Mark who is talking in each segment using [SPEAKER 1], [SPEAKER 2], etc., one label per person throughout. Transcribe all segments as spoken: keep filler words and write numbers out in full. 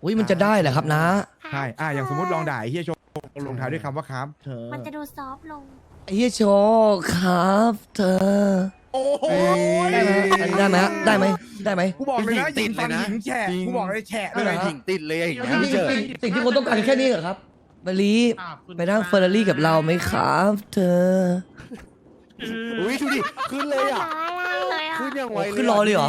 [SPEAKER 1] อุ้ยมันจะได้เหรอครับนะ
[SPEAKER 2] ใช่อ่ะอย่างสมมติลองด่าไอ้เฮียโชว์ลงท้ายด้วยคำว่าครับเธอ
[SPEAKER 3] มันจะดูซอฟต์ลง
[SPEAKER 1] ไอ้เหี้ยโชว์ครับเธอ
[SPEAKER 2] โอ้โห
[SPEAKER 1] ได้ไหมได้ไหมฮะได้ไหมได้ไหม
[SPEAKER 2] กูบอกเลยนะ
[SPEAKER 4] ติดเลยนะ
[SPEAKER 2] หญิงแฉะกูบอกเลยแฉะ
[SPEAKER 4] ไม่
[SPEAKER 2] เล
[SPEAKER 4] ไร
[SPEAKER 2] ย
[SPEAKER 4] หญิงติดเลยอย่างเงี้ย
[SPEAKER 1] สิ่ง
[SPEAKER 4] พี่เจอ
[SPEAKER 1] สิ่งที่คนต้องการแค่นี้เหรอครับมาลีไปนั่งเฟอร์รารี่กับเราไหมครับเธอ
[SPEAKER 4] อุ้ยดูดิขึ้นเลยอ่ะ
[SPEAKER 3] เลยอ่ะ
[SPEAKER 4] ขึ้นยังไว
[SPEAKER 1] โอ้ขึ้นรอเลยเหรอ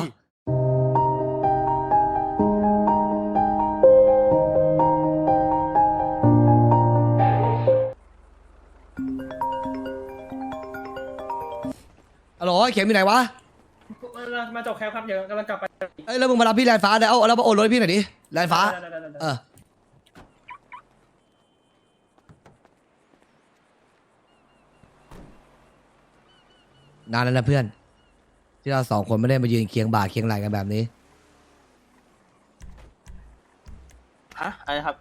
[SPEAKER 1] ฮัลโหลไอ้เข็มอยู่ไหนวะ
[SPEAKER 5] มาจบแคปครับเดี๋ยวกำลังกลับไป
[SPEAKER 1] เอ้ยแล้วมึงมารับพี่แลนฟ้าเดี๋ยวเอาแล้วมาโอนรถให้พี่หน่อยดิแลนฟ้า
[SPEAKER 5] ได้ได้ได้ได้
[SPEAKER 1] เออ นานแล้วนะเพื่อน ที่เราสองคนไม่ได้มายืนเคียงบ่าเคียงไหล่กันแบบนี้
[SPEAKER 6] ฮะอะไรครับ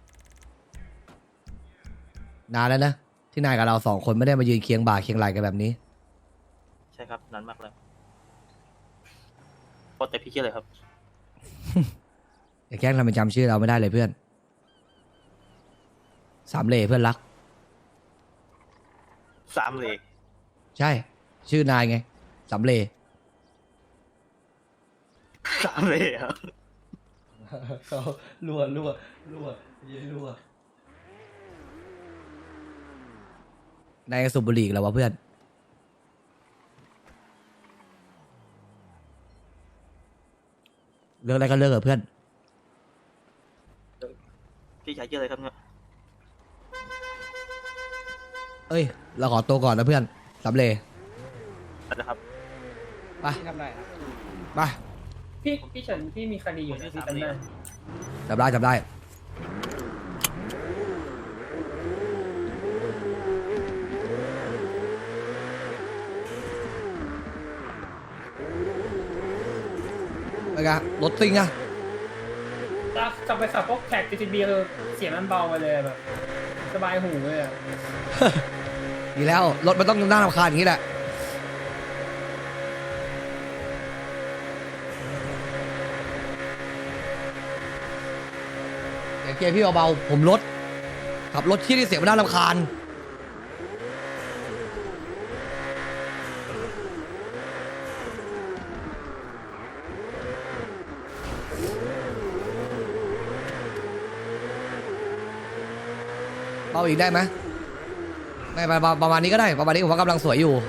[SPEAKER 1] นานแล้วนะ ที่นายกับเราสองคนไม่ได้มายืนเคียงบ่าเคียงไหล่กันแบบนี้
[SPEAKER 6] ใช่ครับนานมากเลยโคตรแต่พี่ชื่ออะไรครับ
[SPEAKER 1] อย่าแกล้งทำเป็นจำชื่อเราไม่ได้เลยเพื่อน สามเหล่เพื่อนรัก
[SPEAKER 6] สามเลย
[SPEAKER 1] ใช่ ชื่อนายไง สามเหล่
[SPEAKER 6] สามเลยครับ
[SPEAKER 1] เขารัวรัวรัวยืนรัวนายสูบบุหรี่แล้ววะเพื่อน เลิกอะไรก็เลิกเถอะเพื่อน
[SPEAKER 6] พี่ชายชื่ออะไรครับเนี่ย
[SPEAKER 1] เอ้ย เราขอตัวก่อนนะเพื่อนสามเหล่
[SPEAKER 6] นะครับ
[SPEAKER 1] ไป
[SPEAKER 5] ทำได้
[SPEAKER 1] ไป
[SPEAKER 5] พี่พี่เฉินพี่มีคดีอยู่ที่จำได้
[SPEAKER 1] จำได้จำได้ ไปกันรถซิ่งอะ
[SPEAKER 5] ถ้ากลับไปขับพวกแท็ก จี ที บี คือเสียงมันเบาไปเลยแบบสบายหูเลยอ่ะ
[SPEAKER 1] ดีแล้ว รถมันต้องน่ารำคาญอย่างนี้แหละ เดี๋ยวเกียร์พี่เบาๆผมรถขับรถที่ที่เสียงมันน่ารำคาญเบาอีกได้ไหมไม่ประมาณประมาณนี้ก็ได้ประมาณนี้ผมว่ากำลังสวยอยู่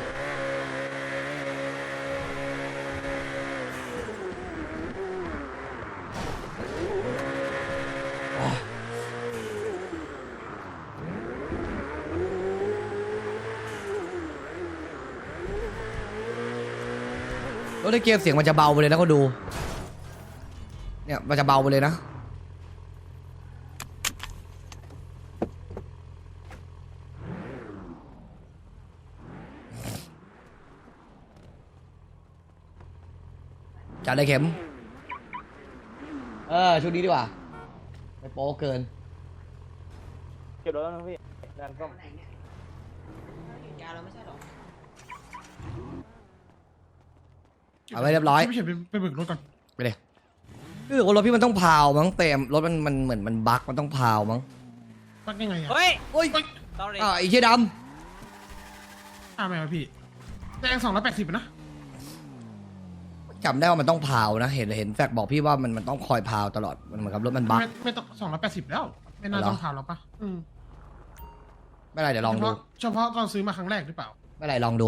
[SPEAKER 1] รถในเกมเสียงมันจะเบาไปเลยนะก็ดูเนี่ยมันจะเบาไปเลยนะจัดเลยเข็มเออชุดนี้ดีกว่าไม่โป๊เกิน
[SPEAKER 6] เก็บรถแล้วนะพี่งานก็
[SPEAKER 1] เอาไว้เรียบร้อย
[SPEAKER 2] ไม่ใช่ไปไปเบิกรถก่อน
[SPEAKER 1] ไปเลยคือว่ารถพี่มันต้องพาวมั้งเต็มรถมันมันเหมือนมันบั๊กมันต้องพาวมั้ง
[SPEAKER 2] ปักยังไงอ่ะ
[SPEAKER 7] เฮ้ย
[SPEAKER 1] โอ้ย
[SPEAKER 7] sorry
[SPEAKER 1] อ่าไอ้เชี่ยด
[SPEAKER 2] อ่าไม่มาพี่แดงสองร้อยแปดสิบนะ
[SPEAKER 1] ำจำได้ว่ามันต้องพาวนะเห็นเห็นแฟกบอกพี่ว่ามันมันต้องคอยพาวตลอดมันเหมือนกับรถมันบั๊ก
[SPEAKER 2] ไม่ไม่ต้องสองร้อยแปดสิบแล้ว ไม่น่า
[SPEAKER 1] เหรอ
[SPEAKER 2] ต้องผ่านหรอกปะอืม
[SPEAKER 1] ไม่เป็นไรเดี๋ยวลอง
[SPEAKER 2] เฉ
[SPEAKER 1] ดู
[SPEAKER 2] พาะเฉพาะตอนซื้อมาครั้งแรกหรือเปล่า
[SPEAKER 1] ไม่เป็นไรลองดู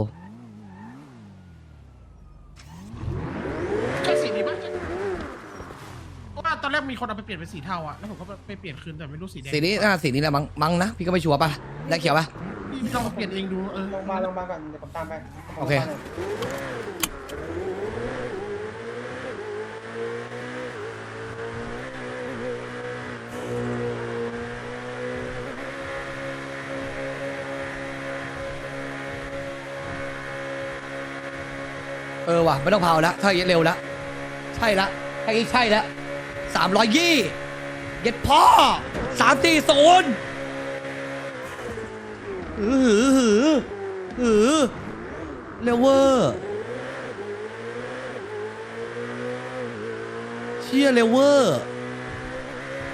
[SPEAKER 2] ใช่สีนี้ปะใช่เพราะว่าตอนแรกมีคนเอาไปเปลี่ยนเป็นสีเทาอะแล้วผมก็ไปเปลี่ยนคืนแต่ไม่รู้สีแดง
[SPEAKER 1] สีนี้น่าสีนี้แหละมั้งมั้งนะพี่ก็ไม่ชัวร์ป่ะได้เขียวป่ะ
[SPEAKER 2] พี่ลองมาเปลี่ยนเองดูเออ
[SPEAKER 5] ลงมาลงมาก่อนเดี๋ยวผมตามไป
[SPEAKER 1] โอเค เออว่ะไม่ต้องเผาแล้วถ้าอย่างนี้เร็วแล้วใช่ละถ้าอย่างนี้ใช่แล้วสามร้อยยี่เย็ดพ่อสามสี่ศูนย์หือหือหือหือเร็วเวอร์เชี่ยเร็วเวอร์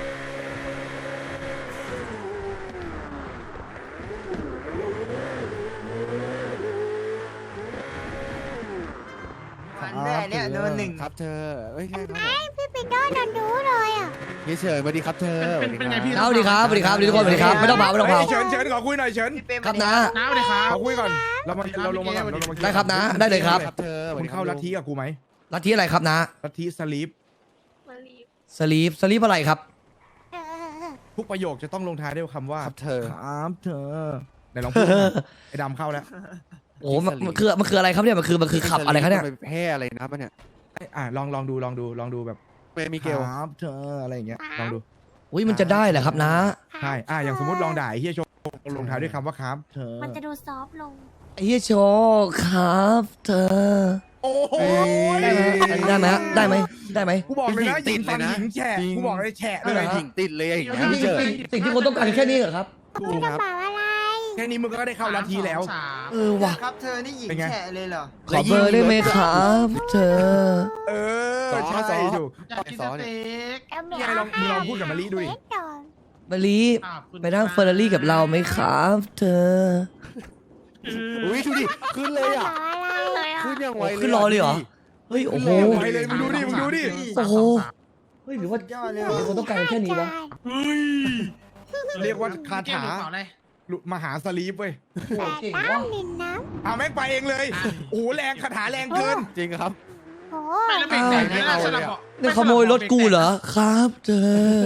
[SPEAKER 7] โดนหนึ่ง
[SPEAKER 4] ครับเธอเอ้ยใช่ครับ
[SPEAKER 3] ไอ้พี่ปิโต้โดนดูเลยอ่ะ
[SPEAKER 4] พี่เฉินสวัสดีครับเธอ
[SPEAKER 2] เป็นเป็นไงพี่
[SPEAKER 1] สวัสดีครับสวัสดีครับสวัสดีทุกคนสวัสดีครับไม่ต้องเผาไม่ต้องเผา
[SPEAKER 8] เฉินเฉินขอคุยหน่อยเฉิน
[SPEAKER 7] พี่เป้ม
[SPEAKER 1] ครับนะ
[SPEAKER 2] น้าสวัสดีครับ
[SPEAKER 8] ขอคุยก่อนเรามาเราลงมาก่อนเราลงมา
[SPEAKER 1] ได้ครับนะได้เลยครับ
[SPEAKER 4] ครับเธอ
[SPEAKER 8] คุณเข้าลัทธิกับกูไหม
[SPEAKER 1] ลัทธิอะไรครับนะ
[SPEAKER 8] ลัทธิสลีป
[SPEAKER 1] สลีปสลีปอะไรครับ
[SPEAKER 3] เออ
[SPEAKER 8] ทุกประโยคจะต้องลงท้ายด้วยคำว่า
[SPEAKER 4] ครับเธอ
[SPEAKER 8] ครับเธอไหนลองพูดหน่อยไอ้ดำเข้าแล้ว
[SPEAKER 1] โอ้มันมันคือมันคืออะไรครับเนี่ยมันคือมันคือขับอะไรครับเนี่ย
[SPEAKER 4] ไปแพร่อะไรนะปะเนี่ย
[SPEAKER 8] ไอ้อ่ะลองลองดูลองดูลองดูแบบ
[SPEAKER 4] เปมิเกล
[SPEAKER 8] ครับเธออะไรอย่างเงี้ยลองดู
[SPEAKER 1] อุ้ยมันจะได้เหรอครับนะ
[SPEAKER 8] ใช่อ่ะอย่างสมมติลองด่าไอ้เฮียโชว์ลงท้ายด้วยคำว่าครับเธอ
[SPEAKER 3] มันจะดูซอฟต์ลง
[SPEAKER 1] ไอ้เหี้ยโชว์ครับเธอ
[SPEAKER 8] โอ้โห
[SPEAKER 1] ได้ไหมอันนี้ได้ไหมฮะได้ไหมได้ไหม
[SPEAKER 8] กูบอกเลยนะ
[SPEAKER 4] ติ
[SPEAKER 8] ยิ
[SPEAKER 4] ด
[SPEAKER 8] ง
[SPEAKER 4] เล
[SPEAKER 8] ฟั
[SPEAKER 4] ย
[SPEAKER 8] น
[SPEAKER 4] นะ
[SPEAKER 8] หญิงแฉะกูบอกเลยแฉะ
[SPEAKER 4] ไม่
[SPEAKER 8] เล
[SPEAKER 4] เลย ยหญิงติดเลยอย่างเงี้ย
[SPEAKER 1] สิ่ง
[SPEAKER 4] พี่เฉิน
[SPEAKER 1] สิ่งสิ่งที่คนต้องการแค่นี้เหรอครับ
[SPEAKER 8] ถูก
[SPEAKER 3] กระ
[SPEAKER 8] ครับ
[SPEAKER 3] เป๋าอะไร
[SPEAKER 8] แค่นี้มึงก็ได้เข้าลัทธิแล้ว
[SPEAKER 2] สาม
[SPEAKER 1] เออว่ะ
[SPEAKER 7] ครับเธอนี่หญิง
[SPEAKER 8] เป็นไง
[SPEAKER 7] แฉะเลยเหรอ
[SPEAKER 1] ขอเบอร์ได้ไหมครับเธอ
[SPEAKER 8] เออใช่ถูก
[SPEAKER 2] อยากกินสเต็ก
[SPEAKER 3] เอาไม่
[SPEAKER 8] นี่ไงลองมึงลองพูดกับมะลิดูดิ
[SPEAKER 3] เล็กก่อน
[SPEAKER 1] มาลี
[SPEAKER 2] ขอบคุณ
[SPEAKER 1] ไปนั่งเฟอร์รารี่กับเราไหมครับเธอ
[SPEAKER 4] อุ้ยดูดิขึ้นเลยอ่ะ
[SPEAKER 3] กระเป๋าอะไรเลยอ่ะ
[SPEAKER 4] ขึ้นยังไวเลย
[SPEAKER 1] ขึ้นรอเลยเหรอ เฮ้ยโอ้โห
[SPEAKER 8] ไปเลยมึงดูดิมึงดูดิ
[SPEAKER 1] โอ้โห เฮ้ยหรือว่า
[SPEAKER 7] สุดยอดเลย
[SPEAKER 1] คนต้องการแค่นี้วะ
[SPEAKER 2] เฮ้ย
[SPEAKER 8] เรียกว่าคาถา
[SPEAKER 2] เกมหรือเปล่เลย
[SPEAKER 8] มหาสลีปเว้ย
[SPEAKER 1] โอ้โหเก่ง
[SPEAKER 3] น้
[SPEAKER 1] วะ
[SPEAKER 3] ำดินน้
[SPEAKER 8] เอาแม่งไปเองเลยโอ้โหแรงคาถาแรงเกิน
[SPEAKER 4] จริงครับ
[SPEAKER 3] ำโอ้
[SPEAKER 2] ไม่แล้วเบรกแตกไม่น่าสลับบอก
[SPEAKER 1] เนี่ยขโมยรถกูเหรอครับเธอ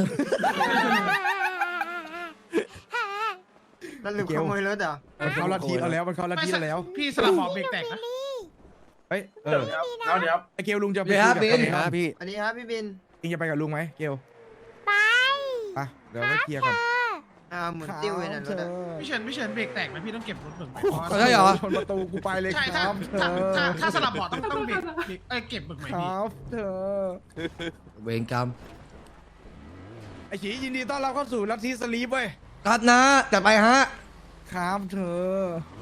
[SPEAKER 7] แล้วหรือขโมยรถเหรอ
[SPEAKER 8] มันเข้าลัทธิเราแล้วมันเข้าลัทธิเราแล้ว
[SPEAKER 2] พี่สลับบอกเบรกแตกนะ
[SPEAKER 8] เฮ้ยเออ
[SPEAKER 2] เอาเดี๋ยว
[SPEAKER 8] ไอเกลลุงจะไป
[SPEAKER 1] เดี๋ยว
[SPEAKER 8] คุย
[SPEAKER 1] ครับ
[SPEAKER 8] กับ
[SPEAKER 1] บิน
[SPEAKER 8] ใคร
[SPEAKER 4] ครับพี่
[SPEAKER 7] อันนี้ครับพี่บิน
[SPEAKER 8] เองจะไปกับลุงไหมเกล
[SPEAKER 3] ไป
[SPEAKER 8] ไปเดี๋ยวไปเคลียร์ก่อน
[SPEAKER 7] อ่าหมุนติ้วเลยนะรถอะ
[SPEAKER 2] พี่เฉินพี่เฉินเบรกแตกนะพี่ต้องเก็บรถเบิกใหม่
[SPEAKER 1] ใช่เหรอ
[SPEAKER 8] ชนประตูกูไปเลย
[SPEAKER 2] ใช่
[SPEAKER 8] ค
[SPEAKER 2] ถ้า
[SPEAKER 8] รับเธ
[SPEAKER 2] ถ้า
[SPEAKER 8] อ
[SPEAKER 2] ถ้าถ้าสลับบอกต้องต้องเบรกเบรกเอ้ยเก็บเบิกใหม่
[SPEAKER 8] ค
[SPEAKER 2] พี่
[SPEAKER 8] รับเธอ
[SPEAKER 1] เวรกรรม
[SPEAKER 8] ไอฉียินดีต้อนรับเข้าสู่ลัทธิสลีปเว้ย
[SPEAKER 1] ครับนะจัดไปฮะ
[SPEAKER 8] ครับเธอ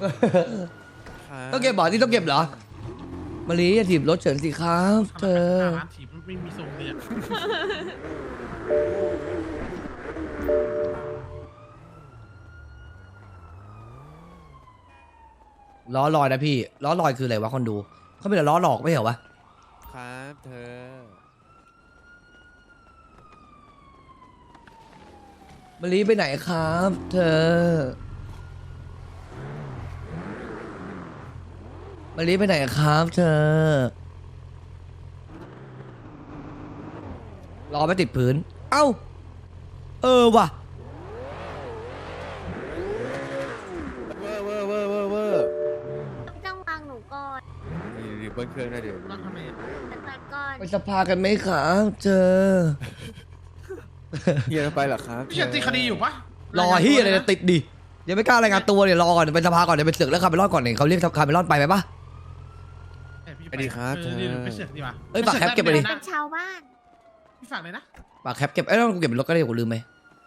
[SPEAKER 1] ต้องเก็บบ่อที่ต้องเก็บเหรอมาลีอย่าถีบรถเฉินสิครับเธอ
[SPEAKER 2] ร้านถีบไม่มีทรงเลยอะ
[SPEAKER 1] ล้อลอยนะพี่ล้อลอยคืออะไรวะคนดูเขาเป็นแต่ล้อหลอกไม่เหรอวะ
[SPEAKER 4] ครับเธอ
[SPEAKER 1] มาลีไปไหนครับ เธอมาลีไปไหนครับ เธอล้อไม่ติดพื้นเอ้าเออว่ะ
[SPEAKER 4] เวอร์เวอร์เวอร์เวอร์เวอร์
[SPEAKER 3] ไม่ต้องวางหนูก่อน
[SPEAKER 4] นี่เบิ้ลเครื่องได้เดี๋ยว
[SPEAKER 2] ต้องทำไมอะ
[SPEAKER 3] แต่ตัดก่อน
[SPEAKER 1] ไปสภากันไหมครับเธอ
[SPEAKER 4] เฮียไปเหรอครับ
[SPEAKER 2] พี่เฉินติดคดีอยู่ปะ
[SPEAKER 1] รอที่อะไรจะติดดิยังไม่กล้ารายงานตัวเนี่ยรอก่อนไปสภาก่อนเดี๋ยวไปเสือกแล้วคาร์เมลอนก่อนเนี่ยเขาเรียกคาร์เมลอนไปไหมปะ
[SPEAKER 2] ไปดีครับเออเดี๋ยวไปเสือกดีกว่า
[SPEAKER 1] เอ้ยฝากแคปเก็บไปดิ
[SPEAKER 3] เป็นชาวบ้าน
[SPEAKER 2] พี่ฝากเลยนะ
[SPEAKER 1] ปากแคปเก็บเอ้ยต้องเก็บเป็นรถก็ได้กูลืมไหม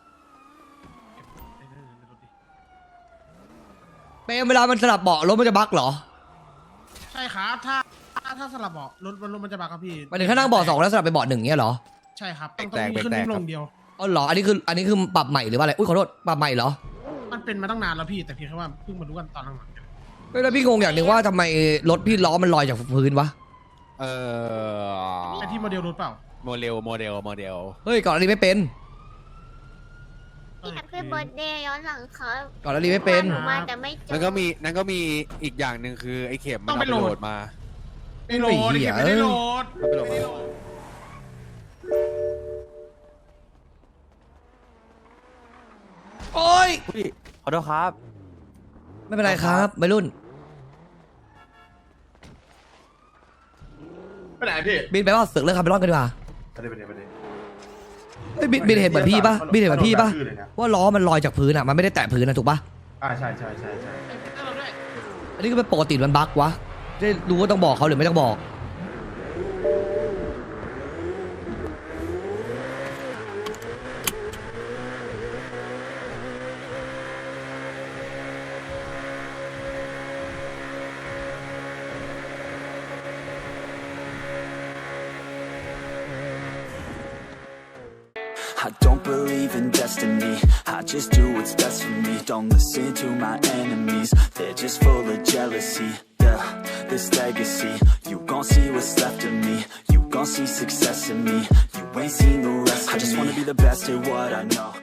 [SPEAKER 1] เปรมเวลามันสลับเบาะรถมันจะบั๊กเหรอ
[SPEAKER 2] ใช่ครับถ้าถ้าถ้าสลับเบาะรถรถมันจะบักครับพี่
[SPEAKER 1] หมายถึงถ้านั่งเบาะสองแล้วสลับไปเบาะหนึ่งเนี้ยเหรอ
[SPEAKER 2] ใช่ครับต้องต้องมีขึ้นลงเดียว
[SPEAKER 1] อ๋อเหรออันนี้คืออันนี้คือปรับใหม่หรือว่าอะไรอุ้ยขอโทษปรับใหม่เหรอ
[SPEAKER 2] มันเป็นมาตั้งนานแล้วพี่แต่เพียงแค่ว่าเพิ่งมารู้กันตอนหลัง
[SPEAKER 1] ไม่แล้วพี่งงอย่างหนึ่งว่าทำไมรถพี่ล้อมันลอยจากพื้นวะ
[SPEAKER 4] เออ
[SPEAKER 2] ๆไอที่โมเดลรถเปล่า
[SPEAKER 4] โมเดลโมเดลโมเดล
[SPEAKER 1] เฮ้ยก่อนอันนี้ไม่เป็น
[SPEAKER 3] พี่แฮปปี้เบิร์ดเดย์ย้อนหลังครับ
[SPEAKER 1] ก่อนอันนี้ไม่เป็น
[SPEAKER 3] หนูมาแต่ไม่เจอ
[SPEAKER 4] นั่นก็มีนั่นก็มีอีกอย่างหนึ่งคือไอ้เข็มมันเอาไปโหลดมา
[SPEAKER 2] ไม่โหลดเก็บไม่ได้โหลด
[SPEAKER 4] เอาไปโหลดมา
[SPEAKER 1] โอ้ย
[SPEAKER 6] ขอโทษครับ
[SPEAKER 1] ไม่เป็นไรครับวัยรุ่น
[SPEAKER 9] ไปไหนพี่
[SPEAKER 1] บินไปว่าเสือกเรื่องคาร์เมลอนกันดีกว่า
[SPEAKER 9] ไปเลยไปเลยไปเลย
[SPEAKER 1] เฮ้ยบินบินเห็นเหมือนพี่ปะบินเห็นเหมือนพี่ปะ
[SPEAKER 9] ชื่อเลยนะ
[SPEAKER 1] ว่าล้อมันลอยจากพื้นอ่ะมันไม่ได้แตะพื้นนะถูกปะ
[SPEAKER 9] อ่าใช่ใช่ใช่ใช่
[SPEAKER 2] เราด้วย
[SPEAKER 1] อันนี้ก็เป็นปกติมันบั๊กวะได้รู้ว่าต้องบอกเขาหรือไม่ต้องบอก
[SPEAKER 10] I don't believe in destiny, I just do what's best for me. Don't listen to my enemies, they're just full of jealousy. Yeah, this legacy. You gon' see what's left of me. You gon' see success in me. You ain't seen the rest of me. I just wanna be the best at what I know.